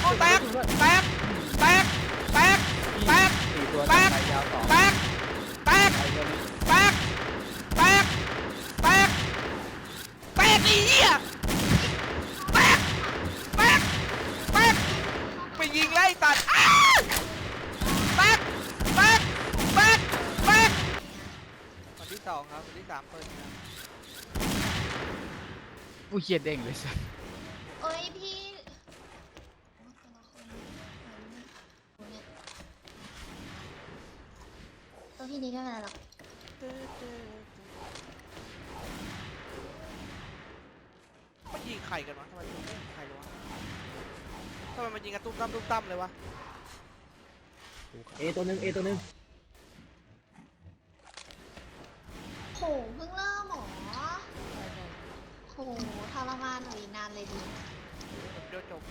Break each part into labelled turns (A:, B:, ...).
A: แตกแตกแตกแตกแตก
B: สี่ตัว
A: แตก
B: ไปยาวสอง
A: แตกแตก
B: ไปตัวนี้
A: แตกแตกแตกแตกอีเหี้ยแตกแตกแตกไปยิงไล่ตัดแตกแตกแตกแตกคนที่สองครับคนที่สามเปิดครับ
B: ผู้เขียนเด้งเลยสัส
C: โอ้ยพี่โอ้แต่ละคนเนี่ยตัวพี่นี้ก็ไม่เป็นไรหรอก
A: มันยิงใครกันวะทำไมยิงไม่ใครเลยวะทำไมมันยิงกันตุ้มตั้มเลยวะ
D: เอตัวหนึ่งเอตัวหนึ่ง
C: โหเพิ่งเริ่มหรอโหทรมานหนูอีกนานเลยดิ
A: เดี๋ยวจบ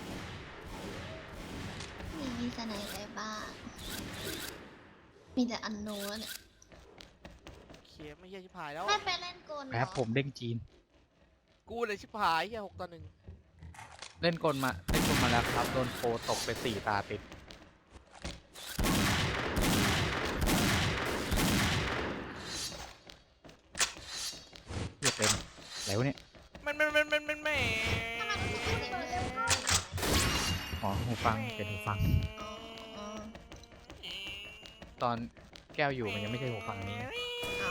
C: มีสไนอะไรบ้างมีแต่อันโน้นเนี่ย
A: เขียไม่เหี้ยชิบหายแล้ว
C: ไม่ไปเล่นกลเหรอ
B: แป๊บผมเด้งจีน
A: กูเลยชิบหายเหี้ย6-1
B: เล่นกลมาแล้วครับโดนโฟตกไป4 ตาติดเหี้ยเต็มแล้วเนี่ย
A: มัน
C: ทำไมรู้สึกว่าเต็มเลย
B: อ๋อหูฟังเป็นหูฟัง
C: อ๋อ
B: ตอนแก้วอยู่มันยังไม่ใช่หูฟังนี้
C: อ๋อ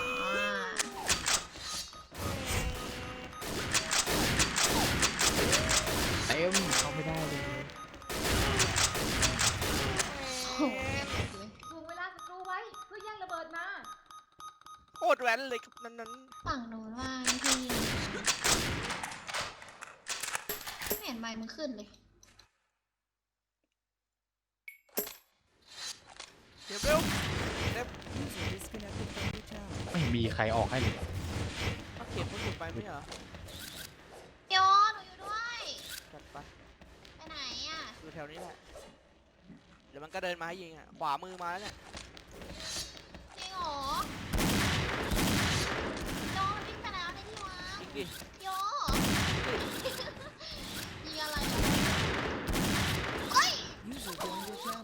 B: เต็มเข้าไม่ได้เลย
C: โหเลย
E: ถ่วงเวลาศัตรูไว้เพื่อแย่งระเบิดมา
A: โคตรแว้นเลยครับนั้น
C: ฝั่งโน้นว่าพี่ไม่เห็นใบมันขึ้นเลย
A: เดี๋ยวเร็วเร็ว
B: ไม่มีใครออกให้เลย
A: เอาเขียนคนสุดไปไม่เหรอ
C: โยหนูอยู่ด้วย
A: จัดไป
C: ไปไหนอ่ะ
A: อยู่แถวนี้แหละเดี๋ยวมันก็เดินมาให้ยิงอ่ะขวามือมาแล้วเนี่ย
C: จริงเหรอโยวิ่งไปแล้วในที่วาง
A: ยิงดิ
C: โยยิงอะไรอ่ะเฮ้ย
B: เออ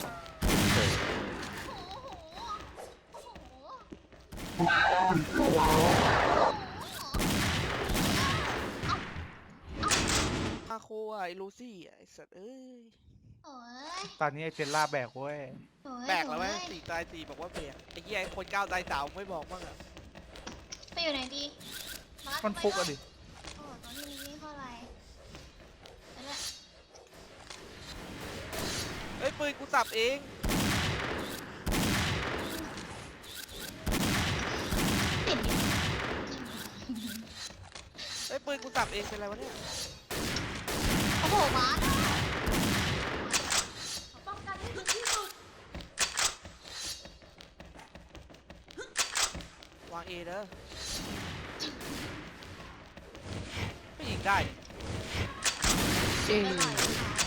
C: โอ้โหโอ้โห
A: มาโคอ่ะไอ้ลูซี่อ่ะไอ้สัตว์เอ้ย
C: โอ้ย
D: ตอนนี้ไอเจนล่าแบกเว้ย
C: โอ้ย
A: แบกแล้วไหม
C: โอ้ย
A: 4 ตาย 4บอกว่าแบกไอ้เหี้ยไอ้คน9 ตาย 3ไม่บอกบ้างอ่ะ
C: ไปอยู่ไหนดีา
D: มันฟุกอะดิ
C: โอ้ตอนนี้นี่เท่าไหร่ไปด้วย
A: เอ้ยปืนกูสับเอง
C: ติดดิ
A: เอ้ยปืนกูสับเองเป็นไรวะเนี่ย
C: โอ้โหบาส
E: ป้องกันให้ถึงที่สุด
A: วางเอเด้อไม่ยิงได้
B: เอ้ย
C: ไปหน่อย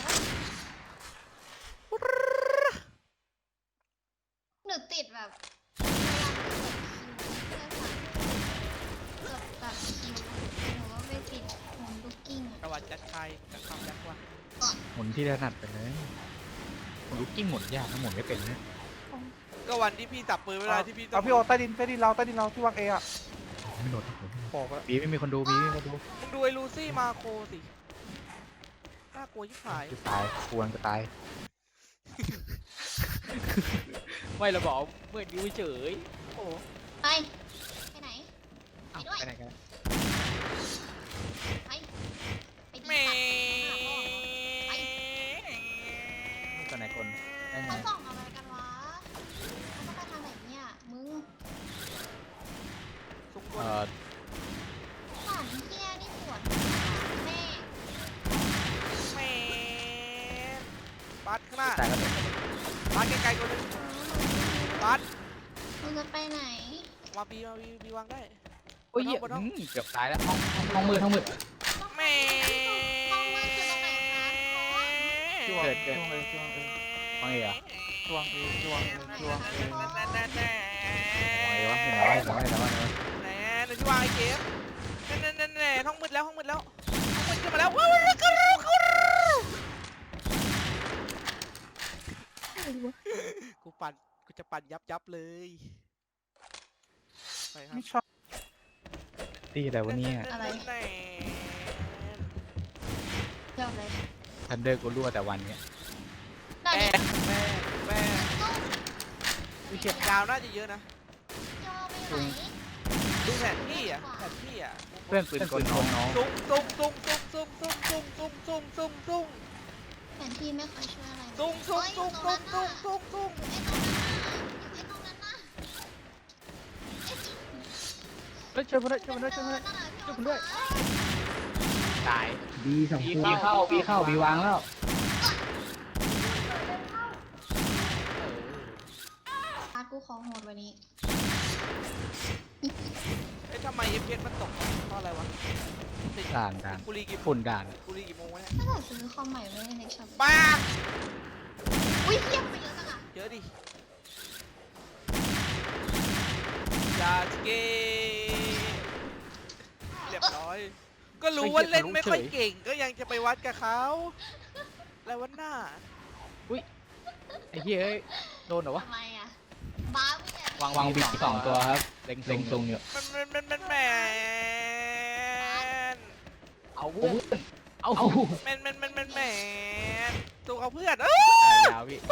C: หนูติดแบบพยายามจะกดคิวเพื่อแบบคิวหนูว่าไม่ติดโฮมลูกกิ้ง
A: ประวัติจัดใครจัดคำยักษ์ว่ะ
B: หมุนที่ถนัดไปเลยหมุนลูกกิ้งหมุนยากนะหมุนไม่เป็นนะ
A: ก็วันที่พี่จับปืนเวลาที่พี่
D: เอาพี่โอใต้ดินเราที่วางเออะ
B: ไม่โดน
D: บอกแล้ว
B: บีไม่มีคนดูบีไม่มีคนดู
A: มึงดูไอ้ลูซี่มาโคสิน่ากลัวชิบหาย
B: จะตายควรจะตาย ไม่เราบอกเมื่อนิ้วเฉย
A: โอ้
C: ไปไปไหน
B: อ้าว
C: ไปด้วย
B: ไปไหนกัน
C: ไปไปดี
A: แม่
C: ตัดไป
B: ไปไหนคนได้ไง
C: เขาส่องอะไรกันวะเขาจะไปทางไหนเนี่ยมึง
A: สุกตัว
C: หลานเฮียนี่ปวดแม่
A: แม่บัสข้างหน้า
B: ตายแล้วเด็ก
A: บัสไกลๆคนนึงบัส
C: มึงจะไปไหน
A: มาบีวางได้
B: โอ้ยเหี้ยเกือบตายแล้วห้องมืด
A: แม่
C: ห้องมืดคือตรงไหนคะ
D: ที่วาง
B: เกิด
D: ที่วางเอที่วางเอ
B: ห้องเอ๋เหรอ
D: ที่วางเอที่วางเอที่วางเอ
B: ห้องเอ๋วะเห็นแล้วเห็นแล้วเห็นแล้ว
A: แหน่เดี๋ยวที่วางไอ้เกมแน่ห้องมืดแล้วห้องมืดขึ้นมาแล้วว้าวกูจะปั่นยับเลยไปครับ
D: ไม่ชอบ
B: ตีแต่วันนี้
C: อะไร
A: แน่
C: ยอดเลย
B: ทันเดอร์กูรั่วแต่วันเนี้ย
C: น่า
A: แม่
C: จะ
A: แม่มีเข็มยาวน่าจะเยอะนะ
C: ย่อไปไหน
A: ดูแผนที่อ่ะแผนที่อ่ะ
B: เพื่อนปืนกลน้อง
A: ซุ่มซุ่ม
C: แผนที่ไม่ค่อยช่วยอะไรเลย
A: ซุ่ม
C: เฮ้ยอยู่ตรงนั้นน่ะอยู่ไอ้ตรงนั้นน่ะ
B: เฮ้ยช่วยเพื่อนช่วยเพื่อนช่วยเพื่อน ช่วยผมด้วย ตาย
F: บีสองตัวบีเข้าบีวางแล้ว
C: อาร์ตกูขอโหดวันนี้
A: เอ้ยทำไม FPS มันตกเพราะอะไรวะติด
B: ด่าน
A: กูรีกี่
B: ฝุ่นด่าน
A: กูรีกี่โมงวะเนี่ย
C: ถ้าเกิดซื้อคอมใหม่ไม่ได้ในช็อป
A: ป้า
C: อุ้ยเทียบไปเยอะจังอะ
A: เยอะดิยาสเกเรียบร้อย ก็รู้ว่าเล่นไม่ค่อยเก่งก็ยังจะไปวัดกับเขาแล้ววันหน้า
B: ไอ้เหี้ยเอ้ยโดนเหรอวะ
C: ทำไมอะบ้าไม่เนี่ย
B: วางบีสองตัวครับเล็ง
F: เล็งทรงอยู่
A: มันแมน
B: เอาเพื่อนเอา
A: แมนตัวเขาเพื่อน
B: ยาวพี่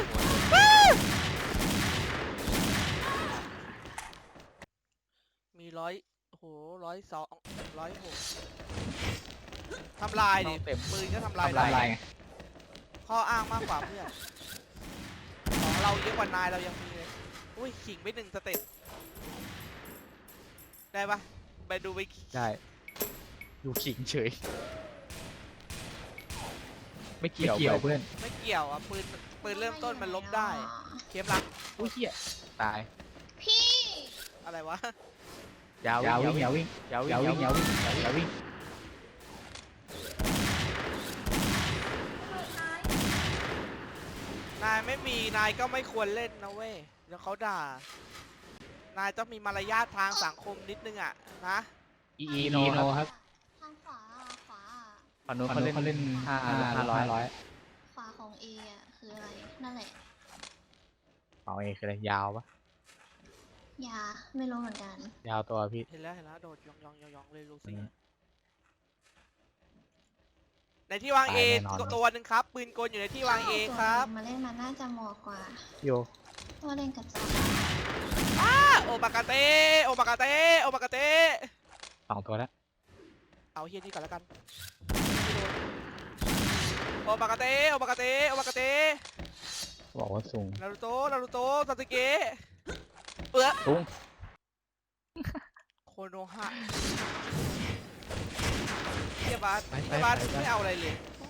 A: มีโอ้โห102 106ทำลายดิ
B: เต็ม
A: ปืนก็ทำลาย
F: ทำลาย
A: ได้
F: ไง
A: ข้ออ้างมากกว่าเพื่อนของเราเยอะกว่านายเรายังมีเลยอุ้ยขิงไป1 สเต็ปได้ปะไปดูไป
B: ได้ดูขิงเฉย ไม่
F: ไม่
B: เกี่ยว
F: เกี่ยวเพื่อน
A: ไม่เกี่ยวอ่ะปืนเริ่มต้นมันลบได้เข็มหลัก
B: อุ้ยเหี้ยตาย
C: พี่
A: อะไรวะ
B: ยาว
F: วิ่ง
B: ยาววิ่ง
A: นายไม่มีนายก็ไม่ควรเล่นนะเว้ยเดี๋ยวเขาด่านายต้องมีมารยาททางสังคมนิดนึงอ่ะนะ
B: อี
F: โน
B: โนครับ
F: ครับ
C: ทางขวาขวา
B: ฝั่งนู้น
F: เขา
B: เขาเล่น
F: เล่น
B: 500
C: ขวาของเออะคืออะไร นั่นแหละ
B: เอาเองคืออะไรยาวปะ
C: ยาไม่รู้เหมือนกัน
B: ยาวตัวพี่
A: เห็นแล้วโดดยองเลยลูซี่
B: อืม
A: ในที่วาง
B: ตาย
A: เอ
B: แน่นอน
A: ตัวหนึ่งครับปืนกลอยู่ในที่วางเอครับ
C: มาเล่นมันน่าจะเหมาะกว่า
B: โย
C: ว่าเล่นกับจอ
A: โอบากาเตโอบากาเตโอบากาเต
B: 2 ตัวแล้ว
A: เอาเฮียนี่ก่อนแล้วกันโอบากาเตโอบากาเตโอบากาเต
B: บอกว่าสูง
A: นารูโตะซาสึเกะ
B: สูง
A: โคโนฮะเฮียบาส
B: ไป
A: ไม่เอาอะไรเลย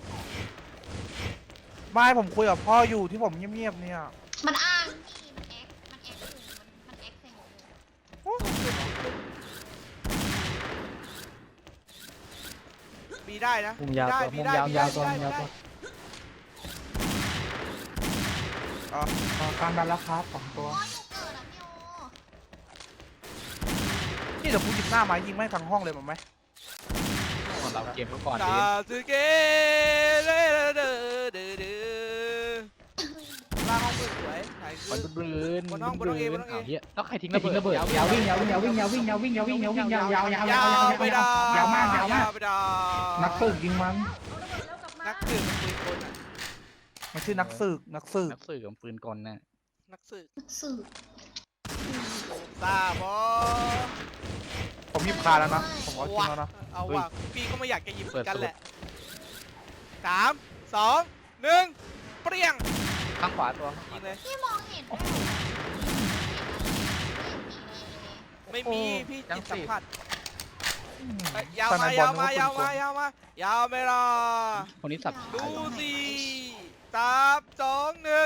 D: ไม่ผมคุยกับพ่ออยู่ที่ผมเงียบๆเนี่ย
C: มันอ้างพี่มันแอคอยู่มันแอคเซ็งอยู่
A: มีได้นะ
B: มุมยาวตัว
A: มี
B: มุม
A: ได้
B: ยาว
A: มี
B: ยาว
A: ได้
B: ตัว
A: มี
B: ยาว
A: ได้
B: ตัว
D: กลางดันแล้วครับสองตัว
C: โอ้ยอยู่เกิดอะพี่โอ
D: นี่เดี๋ยวกูหยิบหน้าไม้ยิงแม่งทั้งห้องเลยมั้ยไหม
B: ของเราเกมก่อน
A: ซา
B: ดี
A: สึเกะเด้อเด้อเด้อเด้อล่างห้องมืดสวยถ่ายคื
B: มัน
A: อ
B: บลื้น
A: บนห้องA บนห้อง A
B: อ้าวเหี้ยแล้วใครทิ้ง
F: ไม่ทิ้งระเบิดยาววิ่งยาว
A: ไปดาวย
F: าวมาก
A: ไปดาว
F: นักสืบยิงมัน
E: เอาระเบิดแล้วกลับมา
A: นักสืบมันปืนกลอ่ะ
D: มันชื่อนักสืบ
B: นักสืบกับปืนกลน่ะ
A: นักสืบ
C: สืบ
A: ซาบอ
D: ผมหยิบคาแล้วนะ ผมเอาจริงแล้วนะ
A: เอาว่ะพี่ก็ไม่อยากจะหยิบเหมือนกันแหละ3 2 1เปรี้ยง
B: ข้างขวาตัว
A: ยิงเลย
C: พี่มองเห็นด้วยเหรอไม่เห็นมีเลย
A: ไม่มีพี่
B: จั
A: จิ
B: ง
A: ตสั
B: สิ
A: มผัสยาวมายาวมายาวมายาวมายาวไม่รอ
B: คนนี้สับ
A: ดูสิ3 2 1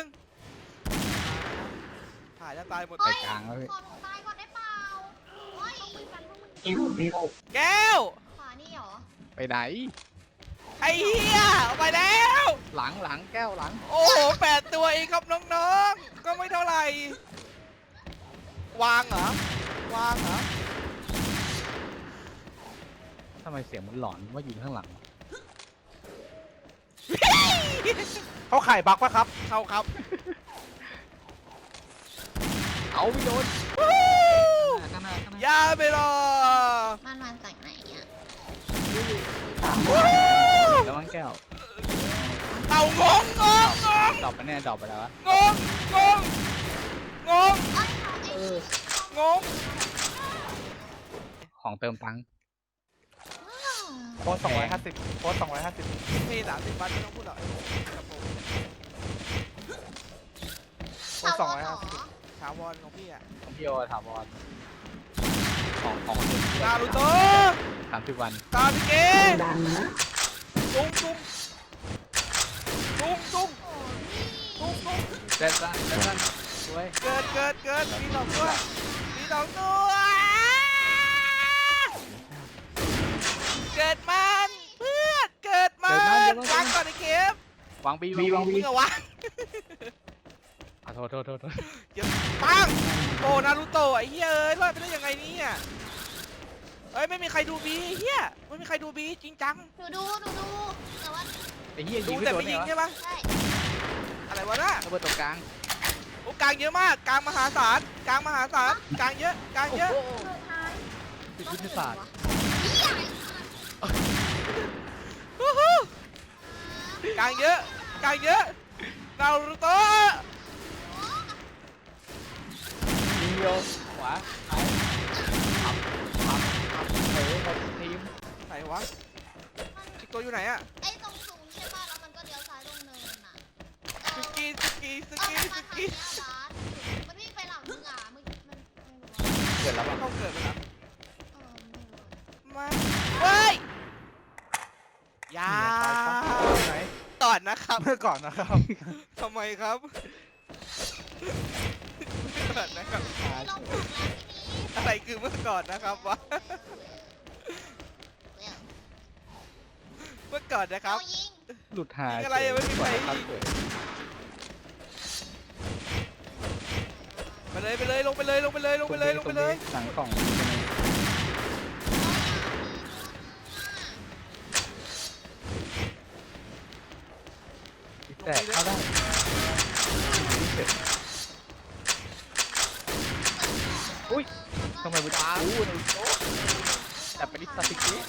A: ถ่ายจะตายหมด
B: ไปกลางแล้วพี่
C: ขอหนูตายก่อนได้เปล่าโอ้ย
A: แก้ว
C: ขวานี่เหรอ
B: ไปไหน
A: ไอ้เหี้ยเอาไปแล้ว
B: หลังแก้วหลัง
A: โอ้โห8 ตัวเองครับน้องๆก็ไม่เท่าไหร่วางเหรอวางเหรอ
B: ทำไมเสียงมันหลอนว่าอยู่ข้างหลัง
D: เขาไข่บักปะครับ
A: เข้าครับ
B: เอาไม่โดน
A: วู้
B: ข้างหน้าข้างหน้า
A: อย่าไปรอ
C: มันมาจากไหนอ่ะ
A: วู้
B: แล้วมันแก้ว
A: เอางงงงงง
B: ดรอปไปแน่ดรอปไปแล้ววะ
A: งงงงงง
C: เอ้ยไอ้
A: งง
B: ของเติมตังค์
D: โค้ด250โค้ด250
A: พี่30 วันไม่ต้องพูดหรอกครับผม
D: โค้ด
C: ถาวรเหรอ
D: 250
A: ถาวรของพี่อะ
B: ของพี่โอถามบอลของเติม
A: นารูโตะ
B: 30 วัน
A: ตาพิเกะตุ้งตุ้งตุ้งตุ้ง
C: โอ้พี่
A: ตุ้งตุ้ง
B: เล่นละเล่นละสวย
A: เกิดมีสองตัวมีสองตัวเกิดมันเพื่อนเกิดมันวางก่อนไอ้เข็ม
B: วางบี
F: บีวาง
A: มึ
F: บี
A: งอะวาง
B: โทษ
A: เดี๋ยวปังโอ้นารูโตะไอ้เหี้ยเอ้ยรอดไปได้ยังไงเนี่ยเอ้ยไม่มีใครดูบีไอ้เหี้ยไม่มีใครดูบีจริงจัง
C: หนูดูแต่ว่า
B: ไอ้เหี้ย
A: ดู
B: ยิงไม่
A: แต่
B: โดน
A: ไม่
B: เนี่
A: ยิ
B: ย
A: ง
B: วะ
A: ใช่ปะ
C: ใช่
A: อะไรวะน่ะ
B: ระเบิดตรงกลาง
A: โอ้กลางเยอะมากกลางมหาศาลกลางมหาศาลกลางเยอะกลางเยอะ
E: สุดท้าย
B: ติดยุทธศาสตร์
A: ฮู้ฮู้กลางเยอะกลางเยอะนารูโตะ
B: ยิงโยขวาเอาขับหมดทีม
A: ไหนวะชิโกอยู่ไหนอะ
C: ไอ้ตรงสูงใช่ป่ะแล้วมันก็เลี้ยวซ้ายลงเนินน่ะ
A: สกี
C: มันมาทางเนี้ยบาสมันวิ่งไปหลังมึงอ่ะมึงมันไม่รู้ว่า
B: เกิดแล้วปะ
A: เข้าเกิดไปแล้ว
C: ไม่รู้
A: มาเฮ้ยอยา
D: ไหน
A: ก่อนนะครับ
D: เมื่อก่อนนะครับ
A: ทำไมครับก่อนนะครับ
C: ไม่ลงถูกแล้วทีนี้
A: อะไรคือเมื่อก่อนนะครับวะ
C: เร็ว
A: เมื่อก่อนนะครับ
C: เอายิง
B: หลุดหาย
A: ยิงอะไรอะไม่มีใครยิง ไปเลยลงไปเลยลงไปเลย
B: หลังกล่องแต่เข้าได้อุ้ยทำไมมันอ้าวแต่เป็นลิสติกิ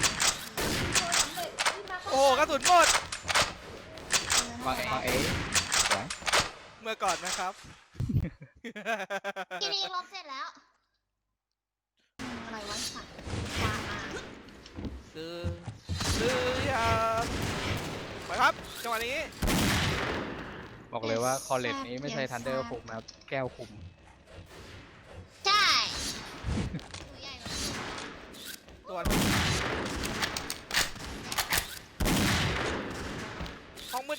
A: โอ้โหกระสุนหมด
B: วางเอสวย
A: เมื่อก่อนนะครับ
C: ทีนี้ลบเสร็จแล้วอะไรวะสัตว์วางมา
A: ซื้อยาไปครับจังหวะนี้
B: บอกเลยว่าคอลเลจนี้ไม่ใช่ทันเดอร์คุมนะครับแก้วคุม
C: ใช่ตัวใหญ่เลย
A: ตัวห้องมืด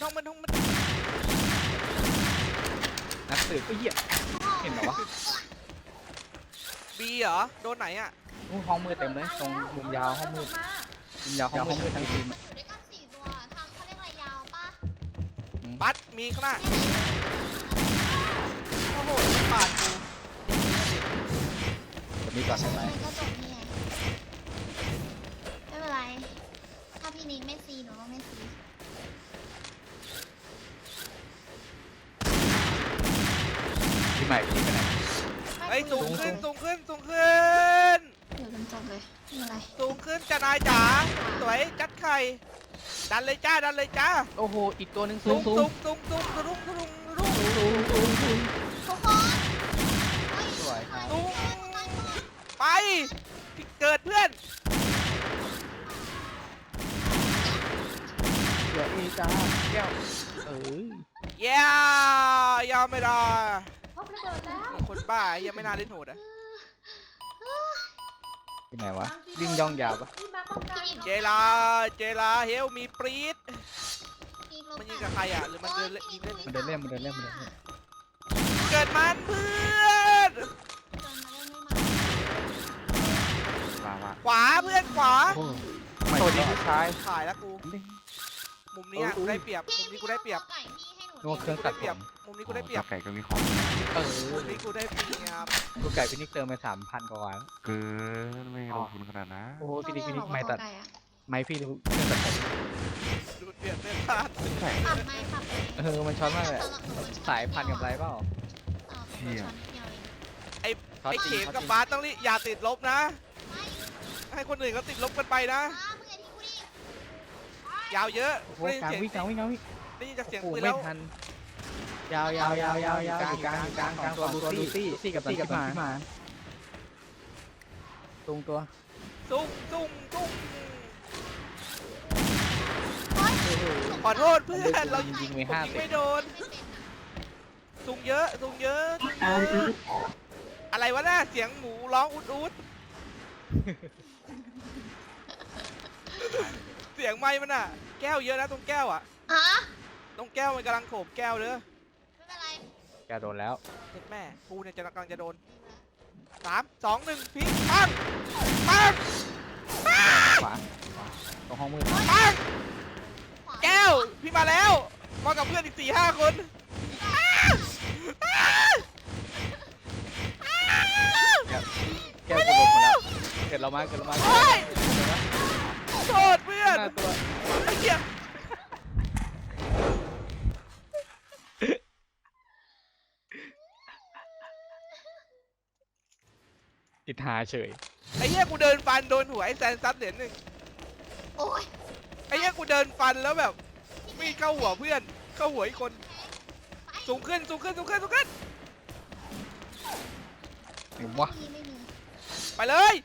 B: นักสืบก็เหี้ยเห็นเหรอวะ
A: บีเหรอโดนไหนอ่ะ
B: ห้องมืดเต็มเลยตรงมุมยาวห้องมืดมุมยาวห้องมืดทั้งทีม
C: มันอยู่ด้วยกัน4 ตัวทางเขาเรียกอะไรยาวปะ
A: ปัดมีข้างหน้าโอ้โหปาดกู
B: แบบนี้ก่อนใช่ไหม
C: มันก็จบนี่ไงไม่เป็นไร ถ้าพี่นิกไม่ซีหนูก็ไม่ซี
B: ที่ใหม่ที่ไปไหน
A: ไอ้ยสูงขึ้น
C: เดี๋ยวจนจบเลยไม่เป็นไร
A: สูงขึ้นจ้านายจ๋าสวยจัดไข่ดันเลยจ้า
B: โอ้โหอีกตัวหนึ่ง
A: ตุ
B: สู
A: ง
B: ง
A: ตุงตุงตุงตุงตุงตุง
C: ทุกคนเฮ้ย
B: สวยครับ
A: ตุงไปเกิดเพื่อน
B: เดี๋ยวเอจ้าแก้ว
A: เย้ยอมไม่ได้
E: พบระเบิดแล้ว
A: คนบ้ายังไม่น่าเล่นโหดอ่ะ
B: ที่ไหนวะวิ่งย่องยาวปะ
E: ที่มาป้องกัน
A: เจลาเฮลมีปรีดมันยิงกับใครอ่ะหรือมันเดินเล่นยิงเล่น
B: มันเดินเล่น
A: เกิดมันเพื่อน
D: มา
A: ขวาเพื่อนขวา
B: โอ้
D: สวัสดีผู้ชาย
A: ถ่ายแล้วกูมุมนี้กูได้เปรียบมุมนี้กูได้เปรียบ
C: ไก่พี่ให้หนู
B: นึกว่าเครื่องตัดผม
A: มุมนี้กูได้เปรียบ
G: ไก่ก็มีของ
A: มุมนี้กูได้เปรียบ
B: ลูกไก่พินิกเติมไป3,000 กว่าวัน
G: เกินไม่ลงทุนขนาดนั้น
B: โอ้โหพินิกไม่
C: ตั
B: ตั
C: ด
B: ดไม่พี่ดูเครื่องตัดผม
A: ดูเดือดเลือดพลาด
G: ใช่
C: ปรับไม่ปรับ
B: มันช็อตมากเลยสายพันกับไรเปล่า
C: เชี่ย
B: ช็อต
A: ไอ้
B: จริ
A: เข็
B: ง
A: ม
B: ช็อต
A: กับ
B: จริง
A: บาสต้องรีอย่าติดลบนะ
C: ไม่
A: ให้คนอื่นเขาติดลบกันไปนะ
C: มึงอย่าทิ้งกูดิ
A: ยาวเยอะ
F: โอ้โห
A: ได้ยิน
F: กลาง
A: เสียง
F: วิ่งกลางวิ่งกลางวิ่ง
A: ได้ยินจากเสียง
B: โอ้โห
A: ปืน
B: ไม่
A: แล้ว
B: ทันยาวยาวยาวยาวยาว
F: กลางกลางกลางกลางตัวลูซี่กับที่มาตรงตัว
A: ซุ่มซุ่มซุ่ม
C: โอ๊ย
A: ขอโทษเพื่อนเรา
B: ยิงไป
A: ผม
B: 50
A: ยิงไม่โดน
C: ไม่เป็นอ่ะ
A: ซุ่มเยอะซุ่มเยอะซุ่มเยอะอะไรวะน่ะเสียงหมูร้องอุดอุดเสียงไม้มันอ่ะ แก้วเยอะนะตรงแก้วอ่ะ
C: ฮะ
A: ตรงแก้วมันกำลังโขบแก้วเด้อ
C: ไม่เป็นไร
B: แกโดนแล้ว
A: เจ็ดแม่กูเนี่ยจะกำลังจะโดน3 2 1พิงปังปังปัง
B: ขวาตรงห้องมืด
A: ปัง
C: ขวา
A: แก้วพี่มาแล้วมากับเพื่อนอีก4-5 คนอ้า
B: แกกูลงมาแล้วเกิดเรามาเกิดเรามา
A: โอ๊ยโทษเพื่อน
B: หน้าตัว
A: ไอ้เหี้ย
B: ติดหาเฉย
A: ไอ้เหี้ยกูเดินฟันโดนหัวไอ้แซนซัดเหรียญหนึ่ง
C: โอ้ย
A: ไอ้เหี้ยกูเดินฟันแล้วแบบมีเข้าหัวเพื่อนเข้าหัวอีกคนสูงขึ้นสูงขึ้นสูงขึ้นสูงขึ้น
B: เห็นวะ
C: ไม่มี
A: ไปเลย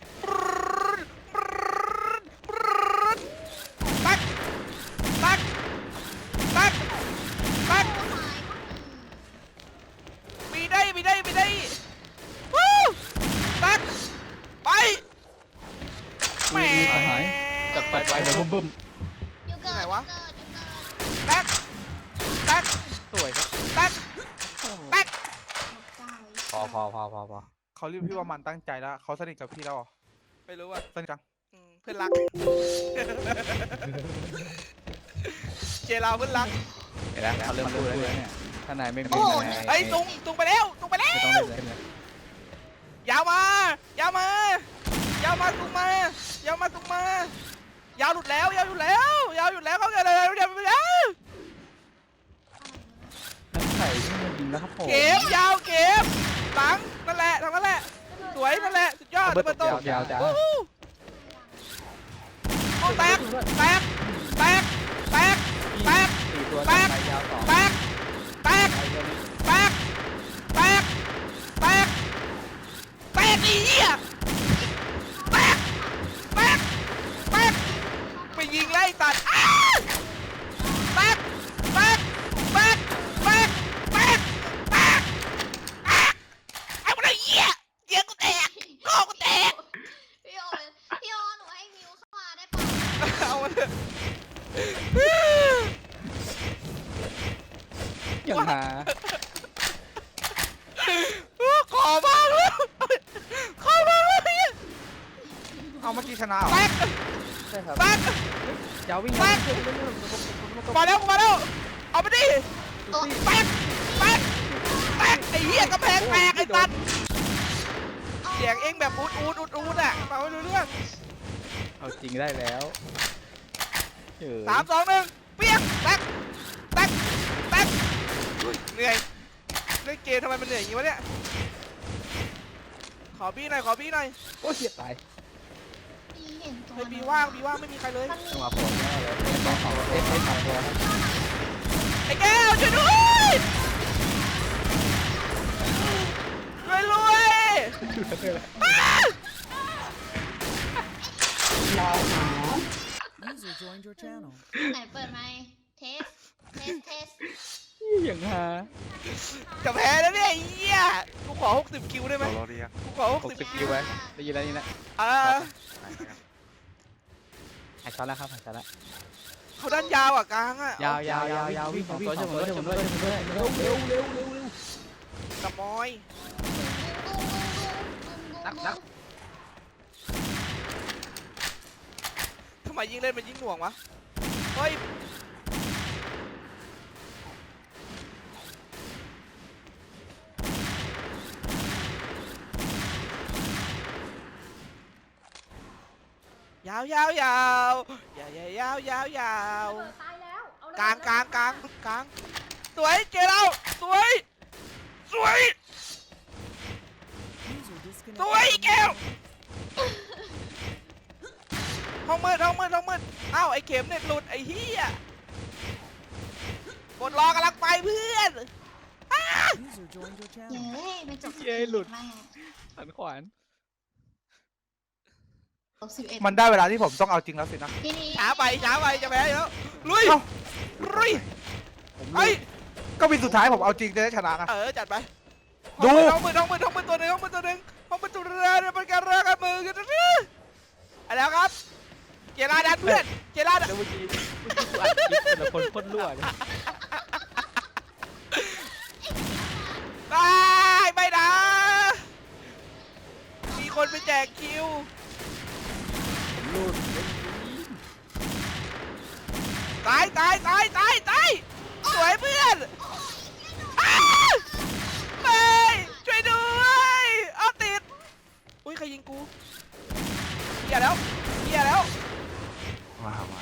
A: ตักตักตักตัก
C: โอ้ยก็มี
A: มีได้มีได้มีได้วู้ตักไปแหม
B: จัดไปไปเดี๋ยวบึ้ม
C: อยู่เกิด
A: ไหนวะ
C: อยู่เกิด
A: ตักตัก
B: สวยครับ
A: ตักตัก
C: เจ้า
B: พอพอพอพอพอ
D: เขาเรียกพี่ว่ามันตั้งใจแล้วเขาสนิทกับพี่แล้วเหรอ
A: ไม่รู้อ่ะ
D: สนิทจัง
A: เพื่อนรัก เจเราเพื่อนรัก
B: เห็นแล้วเขาเริ่มพูดแล้วเนี่ยถ้านายไม่มี
A: เฮ้ยตุงตุงไปแล้วตุงไปแล้ว
B: ไม่ต้องเล่นเลย
A: ยาวมายาวมายาวมาตุงมายาวมาตุงมายาวหลุดแล้วยาวหลุดแล้วยาวหยุดแล้วเขาเกิดอะไรยาวหลุดแล้ว
F: นักไข่ที่มันยิงแล้วครับผม
A: เก็บยาวเก็บหลังนั่นแหละทางนั้นแหละสวยนั่นแหละสุดยอด
B: เบิร์
A: เปิ
B: ต
A: ดโต
B: ยาวจ้า
A: โอ้โหโอ้แตกแตกแตกแตกแตก
B: สี่ตัว
A: แตก
B: ไปยาวต่อ
A: แตกแตก
B: ไปตัวนี้
A: แตกแตกแตกแตกไอ้เหี้ยแตกแตกแตกไปยิงไล่ตัดอ้าแตกแตกแตกแตกแตกแตกไอ้พวกนี้เหี้ยเหี้ยกูแตกโง่กูแตก
C: พี่โอพี่โอหนูให้มิวเข้ามาได้ปะ
A: เอามาเถอะ
B: อย่างหา
A: ขอมากเลยขอมากเลย
D: เอาเมื่อกี้ชนะเหรอ
A: แตก
B: ใช่ครับ
A: แตก
B: ยาววิ่ง
A: แตกมาแล้วมาแล้วเอาไปดิ
C: โอ้ย
A: แตกแตกแตกไอ้เหี้ยกระแพงแตกไอ้ตันเสียงเองแบบอูดอูดอูดอูดอ่ะฟังไม่รู้เรื่อง
B: เอาจริงได้แล้วเฉย
A: 3 2 1เปี้ยงแตกแตกแตกอุ๊ยเหนื่อยเล่นเกมทำไมมันเหนื่อยอย่างนี้วะเนี่ยขอบี้หน่อยขอบี้หน่อย
B: โอ้ยเสียตาย
C: พี่เห็นตัว
A: เฮ้ยบีว่างไม่มีใครเลย
C: มันมี
B: จังหวะผมแน่เลยสองสองเอฟสองตัวครับ
A: ไอ้แก้วช่วยด้วยรวยอ้า
C: ไหนเปิดไหมค์เทสเทส
B: อย่างหา
A: จะแพ้แล้วเนี่ยไอ้เหี้ยกูขอ60คิวได้ไหม
G: เราเรียก
A: กูขอ
B: 60คิวไว้ได้ยินแล้วนี่นะ
A: อ่า
B: หายช็อตแล้วครับหายช็อตแล้ว
A: เขาด้านยาวอ่ะกลางอ่ะ
B: ยาวยาวยาวยาววิ่งของตัวช่วยผมด้วยช่วยผมด้วยช่วยผมด้วย
F: เร็วเร็วเร็วเร็วเร็ว
A: กระมอย
C: นัก
A: ทำไมยิงเล่นมันยิงหน่วงวะเฮ้ยยาวยาวยาวยาวยาวยาว
E: ระเบิดตายแล้วเอาระเบิด
A: กลางกลางกลางกลางสวยเจเราสวยสวยสวยแก้วห้องมืดเอ้าไอ้เข็มเน็ตหลุดไอ้เหี้ยกดรอกำลังไปเพื่อน
C: เย้เป็นจบ
B: เย้หลุด
C: แม่
B: สันขวาน
C: ลบ11
D: มันได้เวลาที่ผมต้องเอาจริงแล้วสินะ
C: ทีนี้
A: ช้าไปจะแพ้แล้วลุย
D: เอ้า
A: ลุยไอ้ย
D: ก็วินสุดท้ายผมเอาจริงจะได้ชนะไง
A: จัดไป
D: ดู
A: ห้องมืดตัวหนึ่งห้องมืดตัวเรือเนี่ยเป็นการเรือกันมือกันนะเอาแล้วครับเจราดันเพื่อนเจราดัน
B: แล้วเมื่อกี้กูอัดคลิปแต่ละคนพ่นรั่วเนี่ย
A: ได้ไม่นะมีคนไปแจกคิว
B: รูด
A: ตายสวยเพื่อนอ้าไม่ช่วยด้วยเอาติดอุ้ยใครยิงกูเหี้ยแล้ว
G: ว้าวว้าว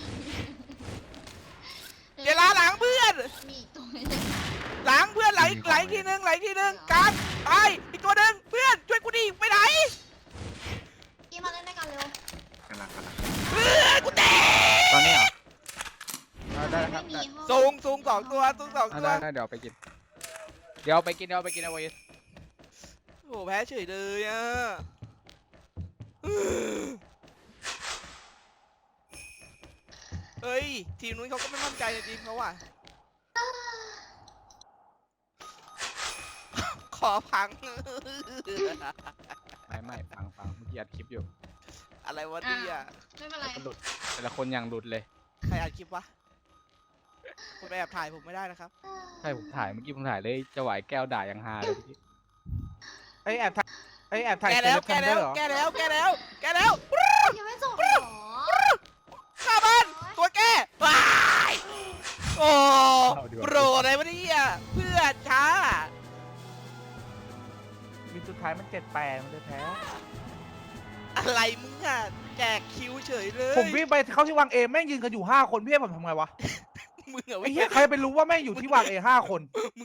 A: เจราหลังเพื่อน
C: มีอีกตัวหนึง
A: หลังเพื่อนไหลทีนึงกลางตายอีกตัวหนึ่งเพื่อนช่วยกูดิไปไหน
C: กี้มาเล่นด้วยกันเร็ว
G: กำลัง
A: เพื่อนกูแตก
F: ตอนนี้เหรอ
D: ได้แล้วค
C: ไม่
D: รับ
C: มีห้อง
A: สูงสองตัว
F: ได้เดี๋ยวไปกินเอาไปไว้
A: โอ้แพ้เฉยเลยอ่ะเฮ้ยทีมนู้นเขาก็ไม่มั่นใจในทีมเขาว่ะขอพัง
F: ไม่ฟังเมื่อกี้อัดคลิปอยู่
A: อะไรวะเนี่ย
C: ไม่เป็นไร
F: หลุดแต่ละคนอย่างหลุดเลย
A: ใครอัดคลิปวะคุณไปแอบถ่ายผมไม่ได้นะครับ
F: ใช่ผมถ่ายเมื่อกี้ผมถ่ายเลยจะไหวแก้วด่ายังฮาเลยเมื่อกี้
D: ไอ้แอบถ่ายไอ้แอบถ่าย
A: แกแล้ว
D: เซเลบเหรอ
C: ยังไม่จบเหรอ
A: ข้าบ้านตัวแกว้ายโอ้โปรอะไรวะเนี่ยเพื่อนช้า
D: วินสุดท้ายมัน7-8มันเลยแพ้
A: อะไรมึงอ่ะแจกคิวเฉยเลย
D: ผมวิ่งไปเข้าที่วางเอแม่งยืนกันอยู่5 คนพี่ให้ผมทำไงวะ
A: มึงเหรอ
D: ไอ้
A: วิ่ง
D: เหี้ยใครไปรู้ว่าแม่งอยู่ที่วางเอ5 คน